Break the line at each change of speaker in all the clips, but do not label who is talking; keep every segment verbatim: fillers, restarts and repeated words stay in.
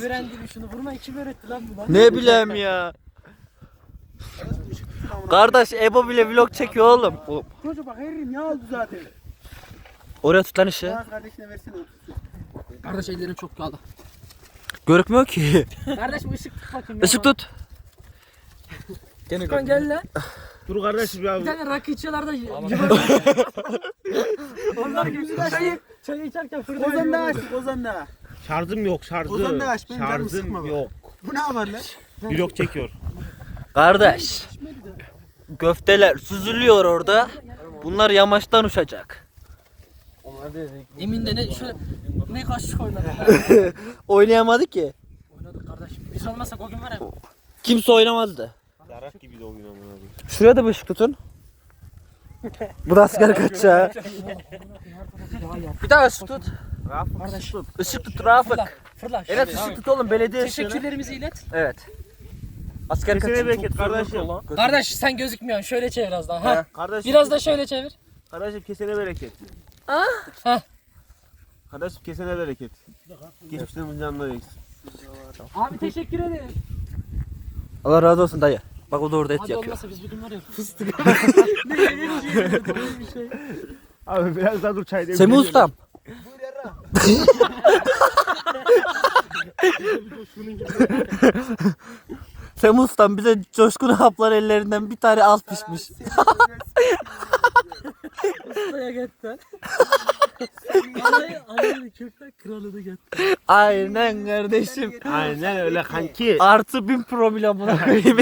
öğrendim şunu. Vurmayı kim öğretti lan bu lan?
Ne bileyim ya. Kardeş Ebo bile vlog çekiyor oğlum. O-
Çocuk bak herif ne oldu zaten?
Oraya tut lan işi.
Bana kardeşine versene otursun.
Kardeş ellerim çok kaldı.
Görükmüyor ki.
Kardeş bir ışık tut bakayım. ya.
Işık tut.
Furkan gel lan.
Dur kardeşim ya.
Bir tane rakı içiyorlar da onlar gibi çayı, çayı içerken fırına
Ozan da aç, Ozan da.
Şarjım yok şarjım.
Ozan da aç, benim canımı sıkma
Şarjım
bak.
yok.
Bu ne var lan?
Vlog çekiyor.
Kardeş. Göfteler süzülüyor orada. Bunlar yamaçtan uçacak.
Emin de ne şöyle ne kaşık oynadık.
Oynayamadı ki.
Oynadık kardeş. Biz olmasak o gün var ya.
Kimse oynamazdı.
Darak gibi de oyun amına.
Şuraya da bir ışık tutun. Bu da asker kaçacağı. Bir daha ışık tut.
Kardeş tut.
Işık tut Rafık.
Fırla. Fırla.
Evet ışık tut oğlum belediye ışığını.
Teşekkürlerimizi ilet.
Evet. Asker
Kesene
kaçıyor.
bereket kardeşim.
Kardeş sen gözükmüyorsun. Şöyle çevir az daha. Ha.
Kardeşim.
Biraz da şöyle çevir.
Kardeşim kesene bereket.
Ah. Heh.
Kardeşim kesene bereket. Geçmişten canına eksin.
Abi teşekkür ederim.
Allah razı olsun dayı. Bak o da orada et
Hadi
yakıyor.
olmasa biz bugün var ya fıstık.
Abi biraz daha dur çay demleyelim.
Semih ustam. Semih ustam bize Coşkun haplar ellerinden bir tane az pişmiş.
Ustaya gitti. Anayı anayı köfte kralını gitti.
Aynen kardeşim.
Aynen öyle kanki.
Artı bin promil buna koyayım.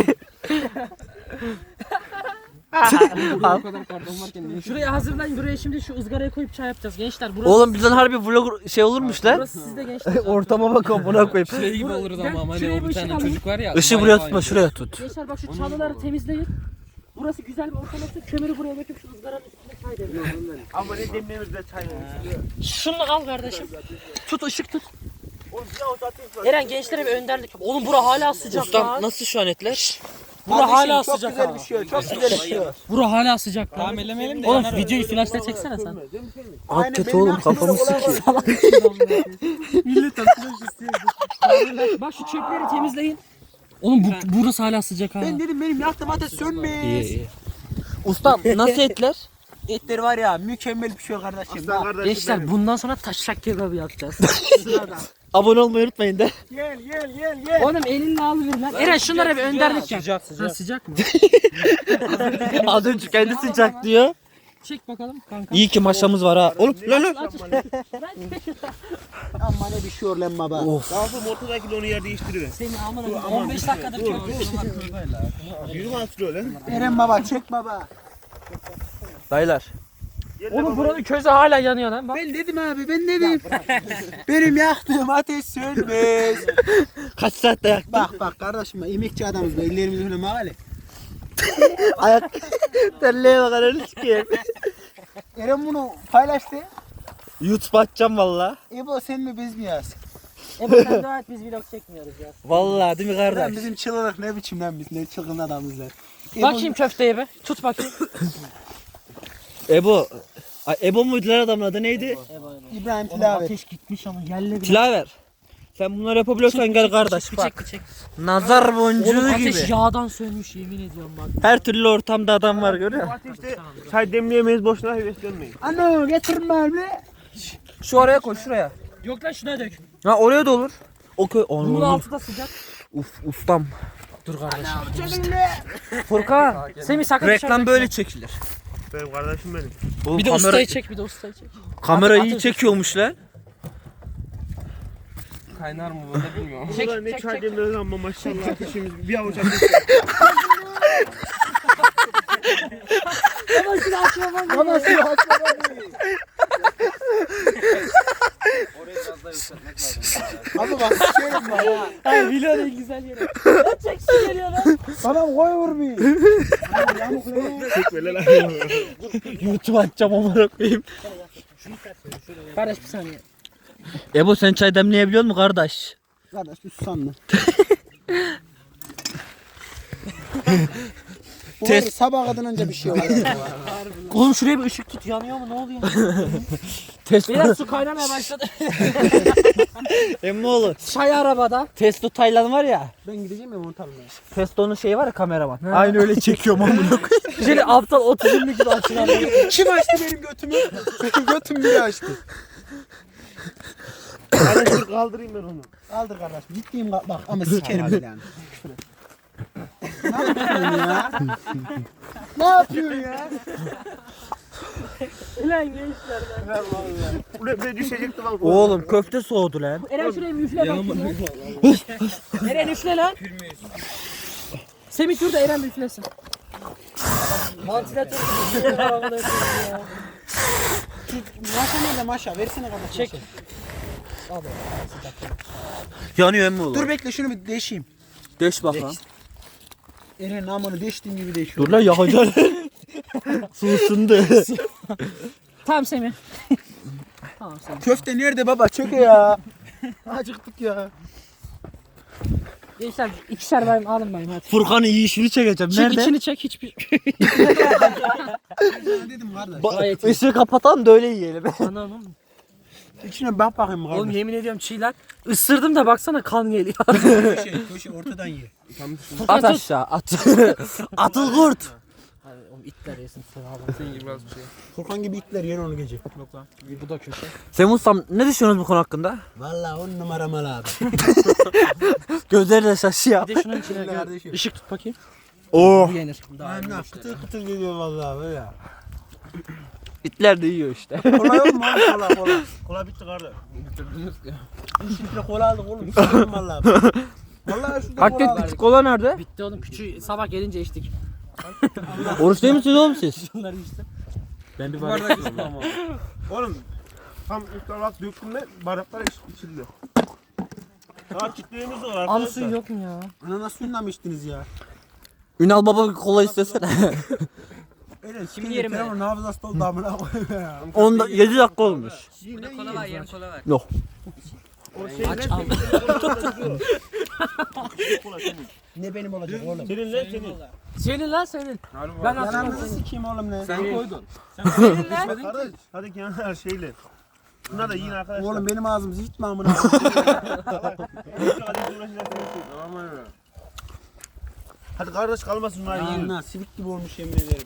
O kadar pardon varken şuraya hazırlayın. Buraya şimdi şu ızgaraya koyup çay yapacağız gençler. Burası
Oğlum bizden harbi vlog şey olurmuş lan.
burası sizde gençler.
Ortama bak buna koyayım.
Şey gibi
Bura-
oluruz
gel,
ama
şuraya
hani
bir
o bir
ışık
tane
alayım.
çocuk var ya.
Işığı
bayağı
buraya
aynı.
tutma şuraya tut.
Gençler bak şu çalıları temizleyin. Burası güzel bir ortam olsun. Kömürü buraya döküp şu ızgaranın üstüne çay demleyin.
Ama ne demlemiz de çay demlemiş.
Şunu al kardeşim. Tut ışık tut.
Oğlum bir avuç atayım.
Eren gençlere bir önderlik yap. Oğlum bura hala sıcak
Ustam
lan.
nasıl şu an etler?
Bura hala
çok
sıcak
güzel
ha.
bir şey, çok güzel bir şey.
Bura hala sıcak lan.
Tamam ellemeyelim de.
Oğlum
yanar o.
videoyu flaşta çeksene sen.
At kötü oğlum kafamı sikiyor.
Millet flash istiyor. Bak şu çöpleri temizleyin. Oğlum bu, burası hala sıcak ha.
Ben dedim benim yaktım ateş sönmez.
Ustam nasıl etler?
Etleri var ya mükemmel bir şey kardeşim.
Aslan
Bak,
kardeşim
Gençler
benim.
bundan sonra taşak kebabı yapacağız.
sırada.
Abone olmayı unutmayın de.
Gel gel gel gel.
Oğlum elinle alıver lan. Eren şunlara bir önderlik yap.
Sıcak
Ha,
sıcak.
sıcak mı?
Az önce kendi sıcak diyor.
Çek bakalım kanka.
İyi ki maşamız var ha. Oğlum lan lan.
Amma ne bir şey yor lan baba.
Of.
Kalkıp ortadaki onu yer değiştiriver.
Senin aman on beş dakikadır köpüyorsun.
Yürü lan sürüyor lan.
Eren baba çek baba.
Dayılar.
Oğlum buranın közü hala yanıyor lan. Bak.
Ben dedim abi ben dedim. benim yaktığım ateş sönmez.
Kaç saatte yaktın?
Bak bak kardeşim emekçi adamız be ellerimiz öyle mağale.
Ayak terliğe bak ananı sikeyim.
Eren bunu paylaştı.
YouTube açacağım valla.
Ebo sen mi biz mi yaz?
Ebo sen dua et biz vlog çekmiyoruz ya.
Valla değil mi
Lan
kardeş?
bizim çılgınlık ne biçim lan biz ne çılgın adamızlar.
Bakayım köfteye be. Tut bakayım.
Ebo. Ay, Ebo muydu lan adamın adı neydi?
İbrahim
Oğlum
Tilavet.
ateş gitmiş ama yerle bir.
Tilaver. Sen bunları yapabiliyorsan gel kardeş
Bir
bak.
çek bir çek.
Nazar
Oğlum
boncuğu
ateş
gibi.
yağdan sönmüş yemin ediyorum bak.
Her türlü ortamda adam var görüyor musun?
Ateşte çay demleyemeyiz boşuna heveslenmeyin.
Ana getirme abi.
Şu oraya koy şuraya.
Yok lan şuna dök.
Ha oraya da olur. O köy.
Bunun altı da sıcak.
Uf ustam.
Dur kardeşim.
Seninle.
Furkan.
Semih sakın
Reklam böyle çekilir.
Benim kardeşim benim.
Oğlum,
Bir de
kamera,
ustayı çek bir de ustayı çek.
kamera
At-
iyi
at-
çekiyormuş lan.
Kaynar mı böyle bilmiyorum.
Çek,
Ulan ne
çek,
çay
çek.
demliyoruz ama maşallah ateşimiz bir avuç ateş.
Ama şunu açma bak.
Baba şu açma abi. Abi bak sikerim var ha.
Ay biliyor en güzel yeri. Lan çeksin geliyor lan.
Bana koy vur bir. Abi yamuk lan.
Böyle lan.
YouTube açacağım amına koyayım.
Kardeş bir saniye.
Ebo sen çay demleyebiliyor musun kardeş?
Kardeş bir susam lan. Bu var ya, sabah kadar önce bir şey oluyor.
Oğlum şuraya bir ışık tut, yanıyor mu, ne oluyor?
Testo.
Beyler su kaynamaya başladı.
Emmoğlu.
Çay arabada.
Testo Taylan var ya.
Ben gideceğim ya montarına.
Testo'nun şeyi var ya, kameraman.
Ha.
Aynı öyle çekiyorum amına koyayım.
Şöyle aptal otizmli gibi açılan.
Kim açtı benim götümü? Benim götüm biri açtı.
Hadi dur kaldırayım ben onu.
Kaldır kardeşim. Ciddiyim bak, bak ama sikerim bile yani. Ne yapıyorsun ya? Ne yapıyorsun ya?
Ulan gençler lan.
Ulan ben düşecektim lan.
Oğlum köfte soğudu lan.
Eren şuraya bir üfle bakayım. Eren üfle lan. Semih dur da Eren bir üflesin. Vantilatör.
Maşa nerede maşa? Versene kardeşim.
Çek.
maşa.
Yanıyor Emmoğlu.
Dur bekle şunu bir deşeyim.
Deş bak lan.
Eren namını deştiğim gibi deşiyor.
Dur lan yakacaksın. Su ısındı.
Tamam Semih. Tamam Semih.
Köfte nerede baba? Çöke ya. Acıktık ya.
Gençler ikişer bayım alın bayım hadi.
Furkan'ın yiyişini çekeceğim.
Çek
Nerede?
içini çek hiçbir.
Ne dedim kardeş?
Ba-
Gayet iyi.
Işığı kapatan da öyle yiyelim.
Anam.
İçine bak bakayım kardeş.
Oğlum yemin ediyorum çiğler. Isırdım da baksana kan geliyor.
Köşe, köşe ortadan ye.
At aşağı at. Atıl kurt.
Hadi oğlum itler yesin sen abi.
Senin gibi biraz bir şey.
Furkan gibi itler yer onu gece.
Yok lan. Bu da köşe.
Semih Ustam ne düşünüyorsunuz bu konu hakkında?
Vallahi on numara mal abi.
Gözleri de şaşıyor.
Bir de şunun içine
Öyle
gö-
kardeşim.
ışık tut bakayım.
Oo.
Bu yenir.
Aynen kıtır kıtır geliyor vallahi böyle.
İtler de yiyor işte.
Kola yok mu oğlum kola kola?
Kola bitti kardeş.
Bitirdiniz ya.
üç litre kola aldık oğlum. Sıkıyorum vallahi. Vallahi şurada
Hakikaten
kola aldık.
küçük kola nerede?
Bitti oğlum küçüğü sabah gelince içtik.
Oruç değil misiniz oğlum siz?
Şunları işte.
Ben bir
Bu bardak istiyorum ama.
Oğlum tam iftar vakti döktüm de bardaklar iç- içildi. Daha kitleğimiz var arkadaşlar.
Al suyu yok mu ya?
Ananas suyundan mı içtiniz ya?
Ünal baba bir kola istesene.
Eren
Kimin yeri mi?
Telefonun hafızası doldu amına koyayım ya.
Onda yedi dakika olmuş.
Burada kola var, yarım kola var.
Yok.
O şey
Aç
ne
al.
Ne benim olacak oğlum?
senin lan senin.
Senin lan senin. Ben
Yalanını
hatırlamıyorum.
sikeyim oğlum ne?
Sen koydun.
Senin lan.
Kardeş hadi kenar şeyle. Bunlar da yiyin arkadaşlar.
Oğlum benim ağzım hiç mi amına koyayım?
Hadi uğraşacağız senin. Tamam mı? Hadi kardeş kalmasın bunlar yiyin.
Anla sivik gibi olmuş yemin ederim.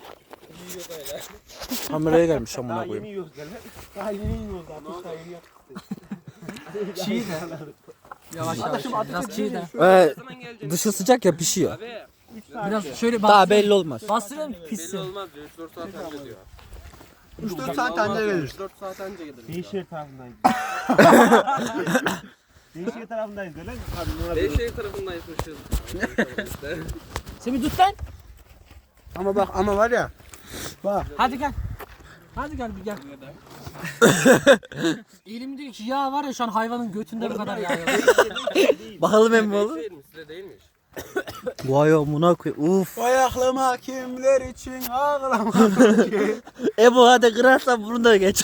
Kameraya gelmiş
Daha
amına
yeni
koyayım.
yiyoruz gel.
Daha yeni yiyoruz zaten. Daha yeni yaptık.
Çiğ de. Yavaş yavaş. Biraz çiğ de.
Ee,
Zaman gelecek.
dışı sıcak ya pişiyor.
Abi
Biraz şöyle
Daha
bastırayım.
belli olmaz.
Bastırayım
belli
pissin.
olmaz diyor. üç dört saat önce diyor.
üç dört saat anca gelir.
üç dört saat önce gelir.
Değişir tarafındayız. Değişir tarafındayız öyle mi? Abi ne yapıyorsun?
Beyşehir tarafındayız mışız.
Semih tut lan.
Ama bak ama var ya. Bak.
Hadi gel. Hadi gel bir gel. Elim diyor ki yağ var ya şu an hayvanın götünde bu kadar yağ yok.
Bakalım Emmoğlu.
Beyşehir mi? Size değilmiş.
Vay amına koyayım. Uf.
Vay aklıma kimler için ağlamadım ki.
Ebo hadi kırarsan bunu da geç.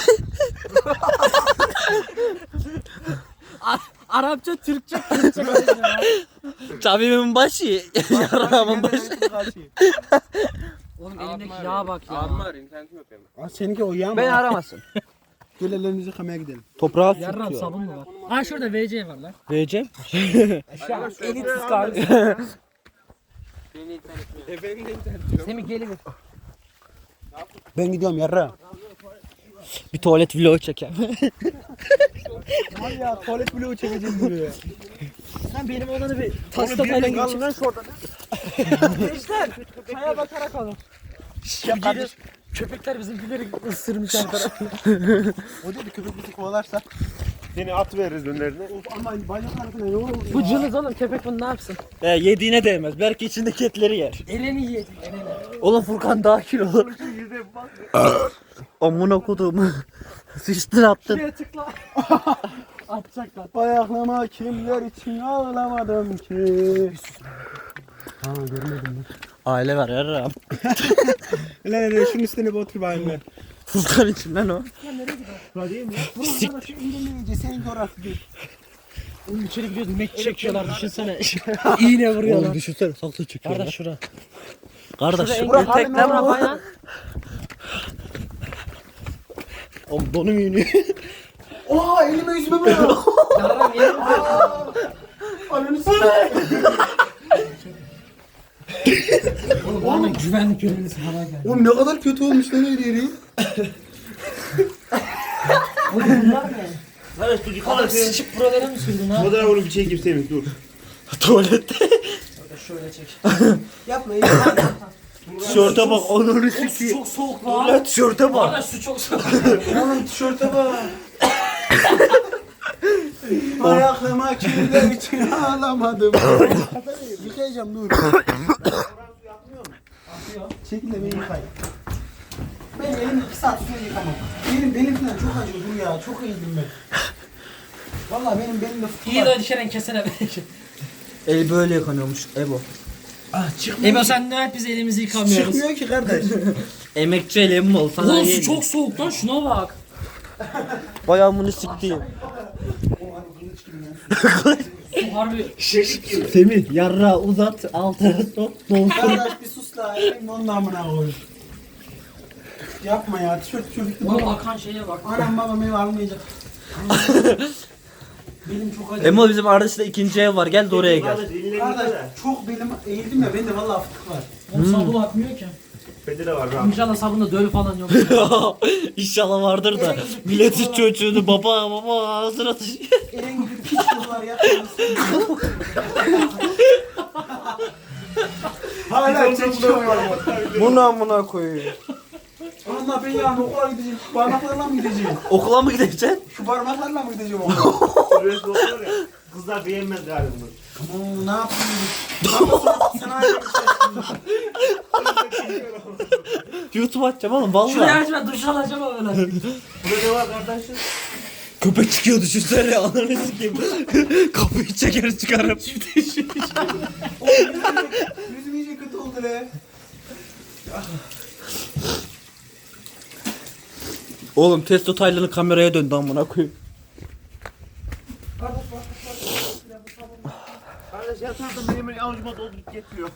Arapça, Türkçe, Türkçe karışıyor ya.
Tabibimin başı. Yaramın başı.
Oğlum elimdeki yağa bak ya.
Abim var, internetim yok benim.
Aa, seninki o yağ mı?
Beni aramasın.
Gel ellerimizi yıkamaya gidelim.
Toprağa
Yarram
sürtüyor.
sabun mu var? Ha şurada V C var lan.
Vereceğim.
Elitsiz kardeşim.
Benim de internetim yok. E benim de internetim yok.
Semih geliver.
Ben gidiyorum yarra.
Bir tuvalet vlogu çeker.
Var ya tuvalet bloğu çekeceğim buraya.
Sen benim olanı bir tasta falan geçir. Gençler çaya bakarak alın.
Ya kardeş.
Köpekler bizimkileri ısırmış her tarafı.
O dedi köpek bizi kovalarsa.
Seni at veririz önlerine.
Of aman bacaklarına ne olur.
Bu cılız oğlum köpek bunu ne yapsın?
He, yediğine değmez. Belki içindeki etleri yer.
Eleni yiyecek eleni.
Oğlum Furkan daha kilolu. Amına kodum. Sıçtın attın.
Şuraya tıkla. Atacaklar.
Vay aklıma kimler için ağlamadım ki. Ha görmedim ben.
Aile var yarram.
Lan lan şunun üstüne bir otur bayım ben.
Furkan için lan o.
Buraya değil mi? Buraya bana şu indirmeyince senin orası değil.
Oğlum içeri gidiyoruz mek çekiyorlar düşünsene. İğne vuruyorlar.
düşünsene saklı çekiyor.
Kardeş şura.
Kardeş
Şuraya
Burak
engel-
tekle
Burak
bu.
ayağın.
Oğlum donum yeniyor.
Oha elime yüzüme bırak.
Yarram yerim.
Ananı s***.
Oğlum bana güvenlik görevlisi bana geldi.
Oğlum ne kadar kötü olmuş lan her yeri.
Oğlum bunlar ne?
Kardeş dur yıkama
Kadar
seni.
sıçıp buralara mı sürdün ha?
Fotoğraf onu bir çekeyim Semih dur.
Tuvalette.
Şöyle çek.
Yapma
Tişörte bak onu
Oğlum su
sikeyim.
çok soğuk lan.
Ulan tişörte bak.
Kardeş su çok soğuk.
Oğlum tişörte bak. Ayaklarıma kirler için ağlamadım. Yıkayacağım dur. Çekil de beni yıkayın. Ben elimi iki saat sonra yıkamam. Benim benim falan çok acıyor dur ya. Çok iyiydim ben. Vallahi benim belimde fıtık
İyi
var.
de hadi Şeren kesene belki.
El böyle yıkanıyormuş Ebo.
Ah çıkmıyor.
Ebo sen ne hep biz elimizi yıkamıyoruz.
Çıkmıyor ki kardeş.
Emekçi elim ol sana
Oğlum su
yeğenim.
çok soğuk lan şuna bak.
Bayağı bunu siktiğim.
Su harbi.
Semih yarra uzat altına sok dolsun.
Kardeş bir sus la. Elim onun amına koy. Yapma ya. Tişört çocuktu
Oğlum
baba.
akan şeye bak.
Anam babam ev almayacak. Benim çok acıyor.
Emo bizim Ardış'ta ikinci ev var gel de oraya gel.
Kardeş elini
Kardeş
yıka da.
çok belim eğildim ya. Bende vallahi fıtık var.
Oğlum sabun akmıyor ki.
Bende de var rahat.
İnşallah sabunda döl falan yok.
İnşallah vardır da milletin çocuğunu baba baba ağzına taşıyor.
Eren gibi piç kızlar yapıyoruz. Hala çekiyor ya.
Bunu amına koyuyor.
Allah ben yarın okula gideceğim. Şu parmaklarla mı gideceğim?
Okula mı gideceksin?
Şu parmaklarla mı gideceğim okula?
Süresi oluyor ya. Kızlar beğenmez galiba bunu.
Oo, ne yapayım? Baba sen ayrı bir şey.
YouTube açacağım oğlum
Şuraya
valla.
aç ben duş alacağım ama öyle.
Burada ne var kardeşim?
Köpek çıkıyor düşünsene ananı sikeyim. Kapıyı çeker çıkarım.
Yüzüm iyice kötü oldu le.
Oğlum testo Taylan'ın kameraya döndü amına koyayım.
Kardeş yatardım benim el avucuma doldurup getiriyor.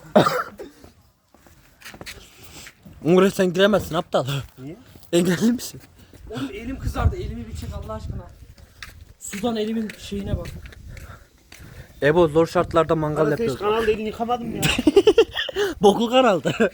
Umre sen giremezsin aptal.
Niye?
Engelli misin?
Oğlum elim kızardı. Elimi bir çek Allah aşkına. Sudan elimin şeyine bak.
Ebo zor şartlarda mangal
Kardeş hiç
yapıyoruz.
kanalda elini yıkamadım ya.
Boklu karaldı.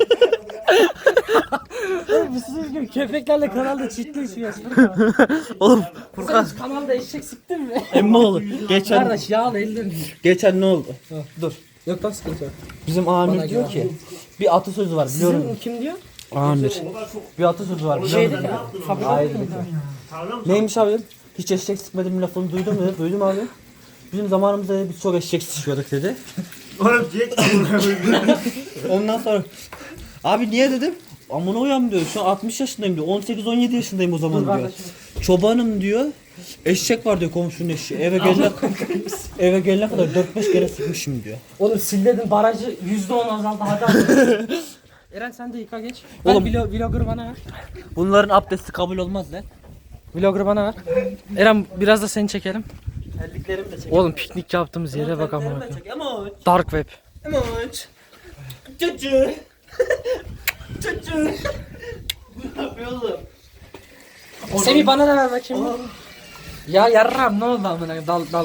Bu sizin gibi köpeklerle kanalda ciddi işiyorsun.
Oğlum
Sen
Furkan
hiç kanalda eşek siktin mi?
emmoğlu geçen
Kardeş yağlı ellerini.
geçen ne oldu?
Dur. Yok lan sıkıntı yok.
Bizim amir
Bana
diyor
göre.
ki bir atasözü var biliyor
Sizin
musun?
kim diyor?
Amir. Bir atasözü var biliyor
Şeyde
musun?
ya. Fabrika
Hayır.
mı?
Tarla mı?
Neymiş abi? Hiç eşek sıkmadım lafını duydun mu? Duydum abi. Bizim zamanımızda biz çok eşek sıkıyorduk dedi.
Oğlum Jack
Ondan sonra abi niye dedim? Amına uyan diyor. Şu an altmış yaşındayım diyor. on sekiz on yedi yaşındayım o zaman
Dur
diyor.
kardeşim.
Çobanım diyor. Eşek var diyor komşunun eşeği. Eve gelene eve gelene kadar dört beş kere sıkmışım diyor.
Oğlum silledin barajı yüzde on azaldı hadi hadi. Eren sen de yıka geç. Ben
Oğlum-
vlog, vlogger bana ver.
Bunların abdesti kabul olmaz lan.
Vlogger bana ver. Eren biraz da seni çekelim.
Terliklerimi de çek.
Oğlum piknik yaptığımız yere bak ama.
çek. Emoç.
Dark web.
Emoç. Çocuk. Çocuk. Ne yapıyor oğlum?
Semih bana da ver bakayım. Ya yarram ne oldu amına dal dal.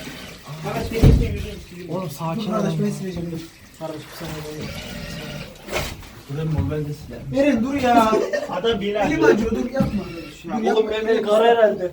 Oğlum sakin ol.
Kardeş ben sileceğim dur.
Kardeş bir saniye.
Durun ben de silerim.
Eren dur ya.
Adam bir
Elim acıyor dur yapma. Dur, yapma.
Oğlum benim el kara herhalde.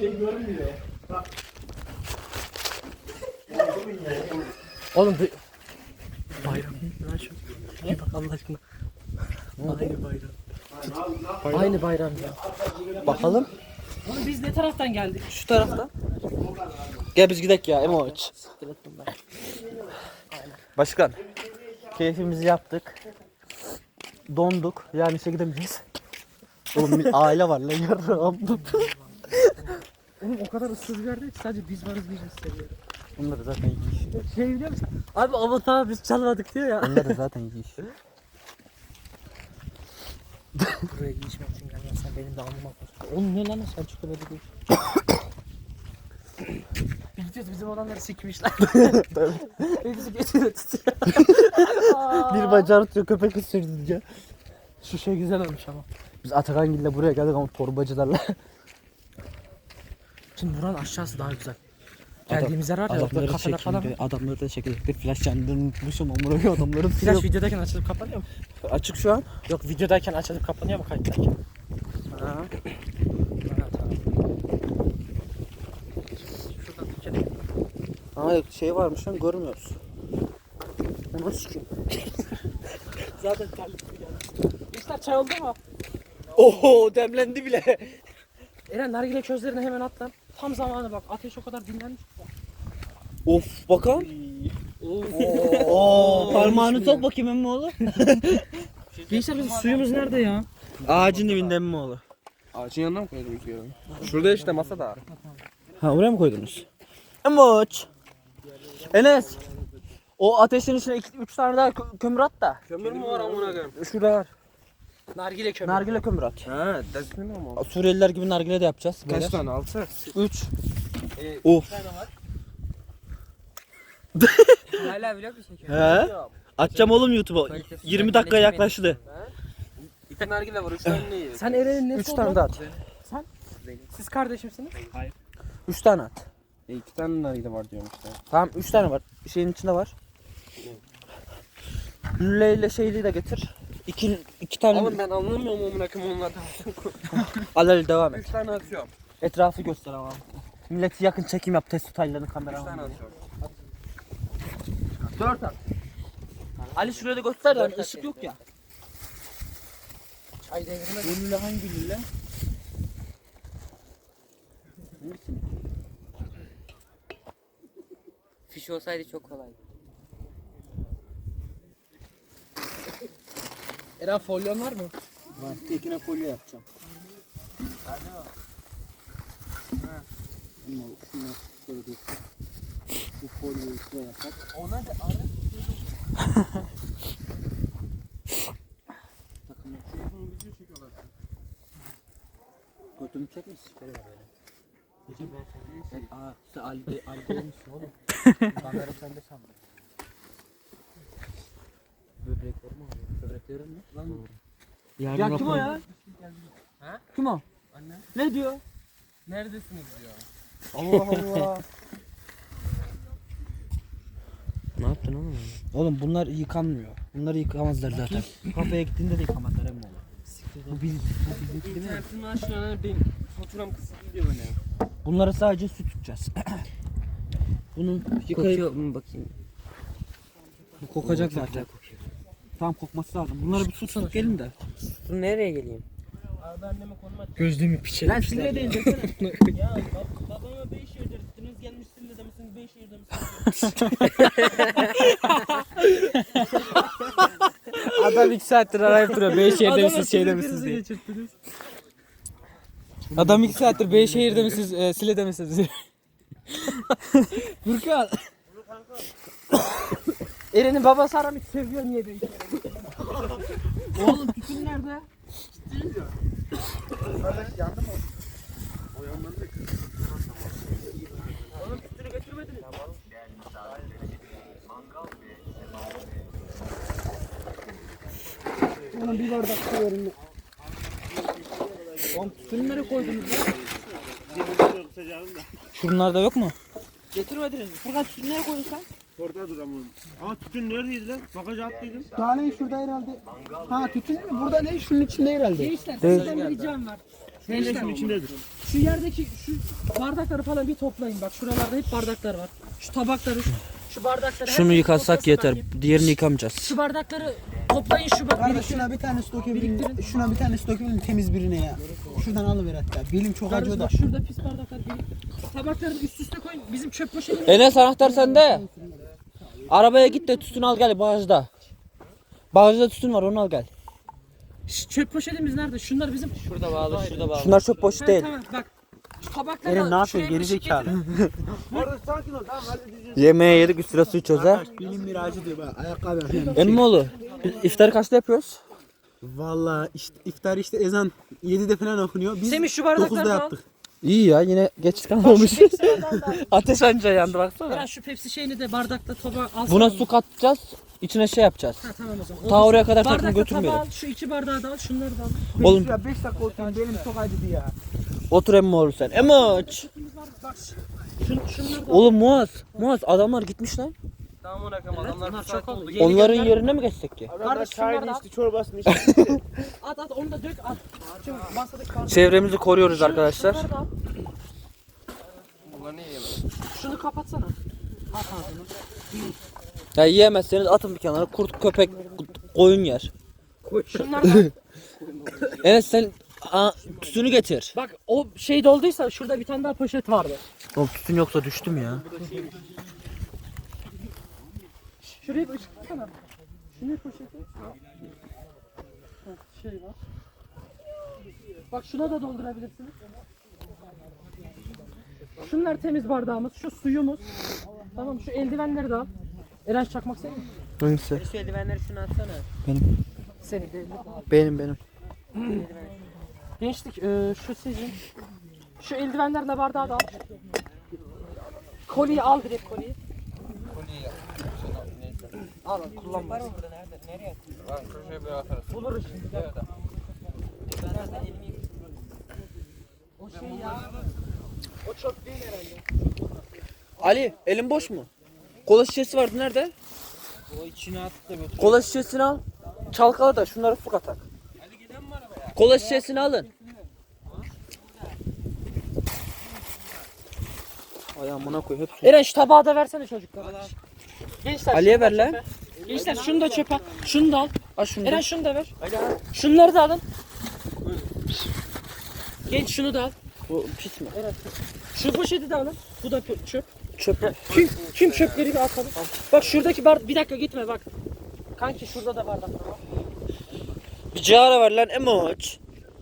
Oğlum bir... Bayram. Lan şu. Bir bak Allah aşkına. Aynı bayram. Aynı bayram ya.
Bakalım.
Oğlum biz ne taraftan geldik?
Şu tarafta. Gel biz gidelim ya Emoç. Başkan. Keyfimizi yaptık. Donduk. Yani işe gidemeyeceğiz. Oğlum bir aile var lan yarım.
Oğlum o kadar ıssız bir yerde ki sadece biz varız biz hissediyoruz.
Bunlar da zaten iyi iş.
Şey biliyor musun? Abi avatar biz çalmadık diyor ya.
Bunlar da zaten iyi iş.
Buraya geçmek için gelmezsen benim de alnıma koş. Oğlum ne lan Selçuk'ta böyle değil. tutuyoruz. Bizim olanları sikmişler. Hepsi götüne tutuyor.
Bir bacağı tutuyor köpek ısırdı diye.
Şu şey güzel olmuş ama.
Biz Atakangil'le buraya geldik ama torbacılarla.
Şimdi buranın aşağısı daha güzel. Geldiğimiz yer var ya, böyle kafeler falan.
çekeyim, adamları da çekecektir. Flash kendini unutmuşum ama oraya adamların
Flash videodayken açılıp kapanıyor mu?
açık şu an.
Yok, videodayken açılıp kapanıyor mu kayıttayken?
Ha.
Ha, tamam. Şuradan Türkiye'de.
Aa şey varmış lan görmüyoruz. Onu sikeyim.
Zaten terlik gibi geldi. İşte çay oldu mu?
Oho demlendi bile.
Eren nargile közlerine hemen at lan. Tam zamanı bak. Ateş o kadar dinlenmiş.
Of bakalım. Oo parmağını sok bakayım emmi oğlu.
Gençler bizim suyumuz nerede ya?
Ağacın dibinde emmi oğlu.
Ağacın yanına mı koydum iki yarım? Şurada işte masada.
Ha oraya mı koydunuz? Emoç. Enes. O ateşin içine iki, üç tane daha kö- kömür at da.
Kömür mü var amına koyayım?
Şurada var.
Nargile kömür.
Nargile kömür at.
He, desmin ama.
Suriyeliler gibi nargile de yapacağız.
Kaç tane? Altı.
üç.
Ee,
Of.
Hala vlog mu çekiyor?
He? Atacağım oğlum YouTube'a. yirmi dakika yaklaştı.
İki nargile var, üç tane ne yiyor?
Sen Eren'in nesi
üç tane de at.
Siz kardeşimsiniz?
üç tane at.
E, iki tane nargile var diyorum işte.
Tamam üç tane var. Şeyin içinde var. Lüle ile şeyliği de getir. İki, iki tane.
Oğlum ben anlamıyorum amına koyayım onlardan.
Al al devam et.
Üç tane atıyorum.
Etrafı göster ama. Milleti yakın çekim yap. Test tutaylarını
Üç
kamera
tane
al.
atıyorum.
Dört at. Ali şuraya da göster lan. Işık yok ya.
Çay devrime.
Bu lüle hangi lüle?
Fiş olsaydı çok kolay.
Eren folyon var mı?
Var. Tekine folyo yapacağım. Ama şunu şöyle göster. Bu folyoyu şuraya yapak.
Ona da ara.
Takımı. Götümü çekmişsin. Şöyle böyle. Sen, aa, sen Ali, Ali olmuşsun oğlum. Kamera sende sandım. Böbrek var mı? Böbreklerin mi? Lan. Ya kim o ya?
Ha?
Kim o?
Anne.
Ne diyor?
Neredesiniz diyor.
Allah Allah.
Ne yaptın oğlum?
Oğlum bunlar yıkanmıyor. Bunları yıkamazlar zaten. Kafeye gittiğinde de yıkamazlar emmi oğlum. Bu bil, bu bildik değil mi?
İnternetin aşağıya benim faturam kısıtlı diyor bana.
Bunları sadece su tutacağız. Bunun yıkayıp
Kokuyor mu bakayım?
bu kokacak
Çok
zaten.
güzel kokuyor.
Tam kokması lazım. Bunları bir su tutup gelin de.
Dur nereye geleyim?
Abi anneme konum at.
Gözlüğümü piçe. Lan sinire değil desene.
Ya bab babama Beyşehir'de gittiniz, gelmişsiniz de misiniz Beyşehir'de misiniz?
Adam iki saattir arayıp duruyor. Beyşehir'de misiniz, şeyde misiniz diye. Adam iki saattir Beyşehir'de misiniz, e, Sile'de misiniz diye.
Furkan. Eren'in babası aramış, seviyor niye Beyşehir'e? Oğlum tütün nerede? Oğlum tütünü götürmediniz. Oğlum bir bardak su verin. Oğlum tütünü nereye koydunuz lan?
Şunlarda yok mu?
Getirmediniz. Furkan tütünü nereye koydun sen?
Orada dur ama. Aa tütün neredeydi lan? Bagaja attıydım.
Daha ne şurada herhalde. Ha tütün mü? Burada ne? Şunun içinde herhalde.
Gençler sizden bir ricam var. Gençler
Şunun içindedir.
şu yerdeki şu bardakları falan bir toplayın. Bak şuralarda hep bardaklar var. Şu tabakları, şu, şu bardakları.
Şunu
herkes
yıkasak
toplasın
yeter.
bakayım.
Diğerini yıkamayacağız.
Şu bardakları toplayın şu bak.
Kardeş şuna bir tane stok dökebilin. Şuna bir tane stok dökebilin temiz birine ya. Şuradan alıver hatta. Belim çok acıyor
Kardeşim
da.
bak şurada pis bardaklar biriktir. Tabakları da üst üste koyun. Bizim çöp poşetini.
Enes anahtar sende. Arabaya git de tütün al gel bagajda. Bagajda tütün var onu al gel.
Şş, çöp poşetimiz nerede? Şunlar bizim.
Şurada bağlı, şurada bağlı.
Şunlar çok boş
Ha,
değil.
tamam bak. Şu tabakları
Eren ne
da
yapıyorsun
şuraya ışık
gerizekalı.
getirin.
Orada sakin ol tamam halledeceğiz.
Yemeğe yedik üstüne su içiyoruz ha.
Benim miracı diyor bak ayakkabı yapıyorum.
Emmoğlu biz iftarı kaçta yapıyoruz?
Valla işte iftar işte ezan yedide falan okunuyor. Biz
Semih şu bardakları
dokuzda
da al.
yaptık.
İyi ya yine geç
Bak şu
kalmamış.
Pepsi'lerden de-
Ateş anca yandı baksana.
Eren şu Pepsi şeyini de bardakta tabağa alsana.
Buna su katacağız. İçine şey yapacağız.
Ha tamam o zaman.
Ta oraya kadar takım
Bardakta
götürmeyelim.
tabağı al, şu iki bardağı da al, şunları da al.
Oğlum
Ya beş dakika oturayım benim çok acıdı ya.
otur emmi oğlum sen. Emoç.
Bak şun, şunları da al.
Oğlum Muaz. Muaz adamlar gitmiş lan.
Tamam ona kadar adamlar
Bunlar
bir saat
çok oldu.
oldu.
Yeni
Onların
gönder-
yerine mi geçsek ki?
Adamlar
Kardeş, şunları
çayını
da al.
içti, çorbasını içti.
At at onu da dök at. Şu masadaki bardağı.
Çevremizi koruyoruz
Şu-
arkadaşlar.
şunları da al.
Bunlar ne yiyelim?
Şunu kapatsana. At ağzını.
Ya yiyemezseniz atın bir kenara. Kurt, köpek, koyun yer.
Şunları da al.
Evet sen aa, tütünü getir.
Bak o şey dolduysa şurada bir tane daha poşet vardı.
Oğlum tütün yoksa düştüm ya.
Şuraya bir ışıksana. Şuraya poşeti. Ha, şey var. Bak şuna da doldurabilirsiniz. Şunlar temiz bardağımız, şu suyumuz. Tamam şu eldivenleri de al. Eren çakmak senin mi?
Hangisi?
Şu eldivenleri şunu atsana.
Benim.
Senin değil mi?
Benim benim.
Gençlik e, şu sizin. Şu eldivenlerle bardağı da al. Koliyi al direkt koliyi. Al al kullanma.
Burada nerede? Nereye atıyorsun? Bak şuraya bir atarız.
Buluruz şimdi.
Evet. Ben de elimi yıkayayım.
O şey ya. O çöp değil herhalde.
Ali elin boş mu? Kola şişesi vardı nerede?
O içine at da götür.
Kola şişesini al. Çalkala da şunları su katak. Kola şişesini alın. Ay amına koy hep su.
Eren şu tabağı da versene çocuklara. Gençler
Ali'ye
şunu da
ver lan.
çöpe. Gençler şunu da çöpe. Şunu da al.
Al şunu. da.
Eren şunu da ver. Şunları da alın. Genç şunu da al.
Bu pis mi?
Eren şu poşeti de alın. Bu da pö- çöp.
Çöp mü?
Kim, kim çöpleri bir atalım. Bak şuradaki bar bir dakika gitme bak. Kanki şurada da bardak var.
Bir cigara ver lan emoç.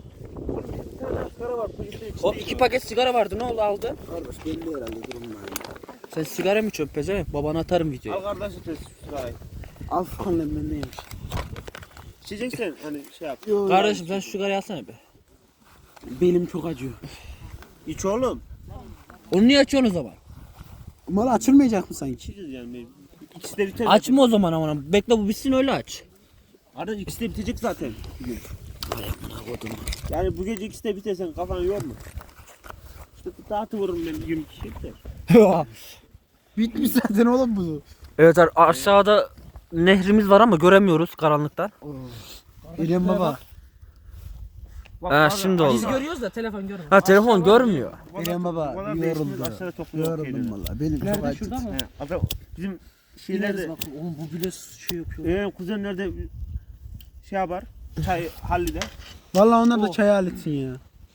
O iki paket sigara vardı ne oldu aldı?
Kardeş belli herhalde durum var.
Sen sigara mı çöp pezevenk? Babana atarım
Al
videoyu.
kardeşim test sırayı.
Al falan ben neymiş.
İçeceksen hani şey yap.
Yo,
Kardeşim sen şu sigarayı alsana be.
belim çok acıyor.
İç oğlum.
Onu niye açıyorsun o zaman?
Mal açılmayacak mı sanki?
İçeceğiz yani. İkisi de biter.
Açma o zaman ama bekle bu bitsin öyle aç.
Kardeş ikisi de bitecek zaten. Bugün. Yani bu gece ikisi de bitersen kafanı yorma. İşte dağıtıvırım ben bir gün iki şey biter.
Bitmiş zaten oğlum bu.
Evet ar- aşağıda nehrimiz var ama göremiyoruz karanlıktan.
İrem baba.
Ha şimdi
Biz
oldu.
görüyoruz da telefon görmüyor.
Ha telefon görmüyor.
İrem baba
Bana
yoruldu.
değişmiyor, aşağıda topluyor
Yoruldum
şeyleri.
valla. Benim çok
Nerede
acıdı.
şurada mı?
He, adam bizim
İneriz
şeylerde
bakın. Oğlum bu bile şey yapıyor.
e, kuzenlerde şey yapar. Çay hallide.
Valla onlar da çay aletsin ya.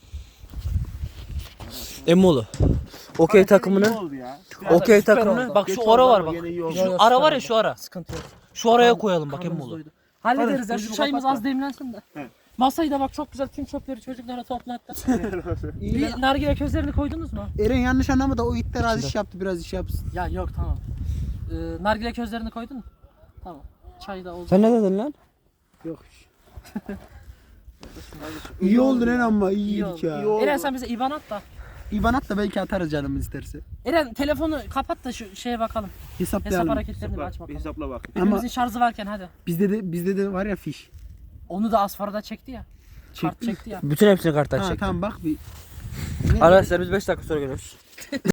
Emoğlu. Okey
Ne
takımını.
oldu ya?
Okey
süper
takımını.
oldu.
Bak
Geç
şu
oldu
ara var
ama
bak.
gene iyi oldu.
Şu ara var ya şu ara.
Sıkıntı yok.
Şu araya koyalım bak
Karnımız
Emoğlu.
doydu. Hallederiz ya. Şu
gözümü
çayımız
kapat
az demlensin de.
He.
Masayı da bak çok güzel tüm çöpleri çocuklara toplattı. Bir nargile közlerini koydunuz mu?
Eren yanlış anlama da o itler az iş yaptı biraz iş yapsın.
Ya yok tamam. Ee, nargile közlerini koydun mu? Tamam. Çay da oldu.
Sen ne dedin lan?
Yok. iyi oldu lan ama iyi
İyi
yedik
oldu.
ya.
İyi oldu.
Eren sen bize IBAN at da.
İban at da belki atarız canımız isterse.
Eren telefonu kapat da şu şeye bakalım. Hesap
Hesaplayalım.
hareketlerini bir aç
Bak, bir
bakalım.
hesapla bak.
Hepimizin şarjı varken hadi.
Bizde de bizde de var ya fiş.
Onu da Asfara'da çekti ya. Kart
Çekti.
çekti ya.
Bütün hepsini karttan
Ha
çektim.
tamam bak bir.
Arkadaşlar biz beş dakika sonra geliyoruz.